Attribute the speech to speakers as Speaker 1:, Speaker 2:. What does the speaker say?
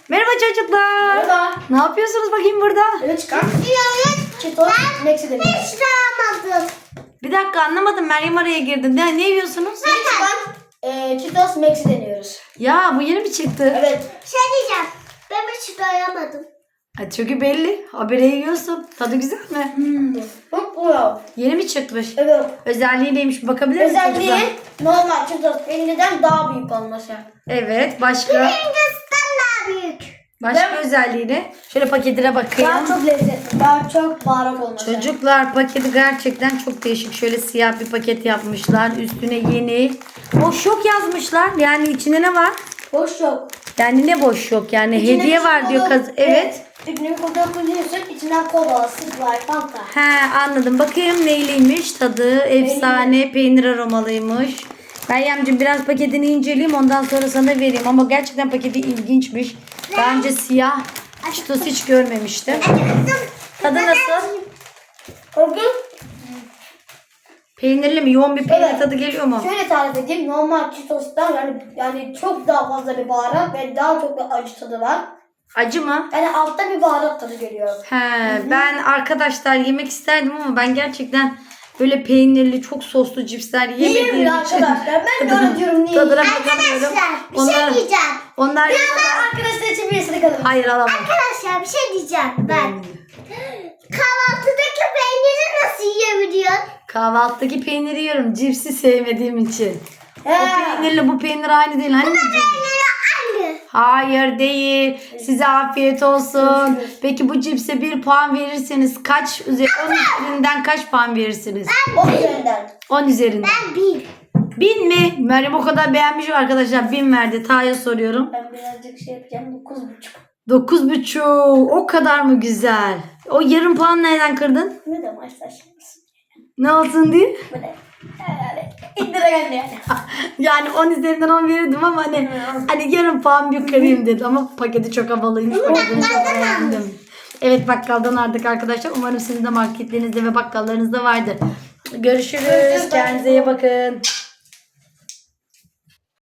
Speaker 1: Merhaba çocuklar.
Speaker 2: Merhaba.
Speaker 1: Ne yapıyorsunuz bakayım burada?
Speaker 2: Evet çıkar. Çitos Max'i deniyoruz.
Speaker 3: Hiç de almadım.
Speaker 1: Bir dakika anlamadım. Meryem araya girdi. Ne yiyorsunuz?
Speaker 2: Çıkan Çitos Max'i deniyoruz.
Speaker 1: Ya bu yeni mi çıktı?
Speaker 2: Evet.
Speaker 3: Şey diyeceğim. Ben hiç doyamadım.
Speaker 1: Ha, çünkü belli. Habire yiyorsun. Tadı güzel mi?
Speaker 2: Çok güzel.
Speaker 1: Yeni mi çıkmış?
Speaker 2: Evet.
Speaker 1: Özelliği neymiş? Bakabilir misiniz?
Speaker 2: Özelliği normal Çitos peynirden daha büyük olması.
Speaker 1: Evet. Başka?
Speaker 3: Hindistan daha büyük.
Speaker 1: Başka özelliği ne? Şöyle paketine bakayım.
Speaker 2: Daha çok lezzetli. Daha çok baharat olması.
Speaker 1: Çocuklar paketi gerçekten çok değişik. Şöyle siyah bir paket yapmışlar. Üstüne yeni. Boş yok yazmışlar. Yani içinde ne var?
Speaker 2: Boş yok.
Speaker 1: Yani ne boş yok? Yani
Speaker 2: İçinde
Speaker 1: hediye
Speaker 2: bir
Speaker 1: var diyor
Speaker 2: kola-
Speaker 1: kız. Evet.
Speaker 2: Üstüne kola koyuyorsun. İçinden kola, Sprite, Fanta.
Speaker 1: He anladım. Bakayım neyliymiş tadı. Efsane peynir aromalıymış. Meryemciğim biraz paketini inceleyeyim ondan sonra sana vereyim. Ama gerçekten paketi ilginçmiş. Daha önce siyah Cheetos hiç görmemiştim. Tadı nasıl?
Speaker 2: Korkun.
Speaker 1: Peynirli mi? Yoğun bir peynir
Speaker 2: Evet.
Speaker 1: tadı geliyor mu?
Speaker 2: Şöyle tarif edeyim. Normal Cheetos'tan yani çok daha fazla bir baharat ve daha çok bir acı tadı var.
Speaker 1: Acı mı?
Speaker 2: Yani altta bir baharat tadı geliyor.
Speaker 1: He, ben arkadaşlar yemek isterdim ama ben gerçekten böyle peynirli çok soslu cipsler yemediğim
Speaker 2: Yiyeyim
Speaker 1: için
Speaker 2: arkadaşlar. Ben de öyle diyorum niye
Speaker 1: tadına
Speaker 2: yiyeyim?
Speaker 1: bakamıyorum.
Speaker 3: Arkadaşlar bir şey diyeceğim.
Speaker 1: onlar
Speaker 2: Arkadaşlar için birisini kalın.
Speaker 1: hayır alamam.
Speaker 3: Arkadaşlar bir şey diyeceğim ben. Kahvaltıdaki peyniri nasıl yiyebiliyorsun?
Speaker 1: Kahvaltıdaki peyniri yiyorum. Cipsi sevmediğim için. O
Speaker 2: He.
Speaker 1: peynirle bu peynir aynı değil. Hani
Speaker 3: Peyniri aynı.
Speaker 1: hayır değil. Size afiyet olsun. Peki bu cipse 1 puan verirseniz kaç 10 üzerinden kaç puan verirsiniz?
Speaker 2: 10 üzerinden.
Speaker 1: 10 üzerinden.
Speaker 3: Ben bir.
Speaker 1: 1000 mi? Meryem o kadar beğenmiş arkadaşlar. 1000 verdi. Taha'ya soruyorum.
Speaker 2: Ben birazcık şey yapacağım. 9,5.
Speaker 1: 9,5. O kadar mı güzel? O yarım puan nereden kırdın?
Speaker 2: Ne de maçlar şimdi.
Speaker 1: Ne olsun diye?
Speaker 2: Böyle. Yani indire geldi yani.
Speaker 1: Yani 10 üzerinden 10 verirdim ama hani yarım puan bir kırayım dedim ama paketi çok havalıymış. Olduğunu çok beğendim. Evet bakkaldan aldık arkadaşlar. Umarım sizin de marketlerinizde ve bakkallarınızda vardır. Görüşürüz. Kendinize iyi bakın.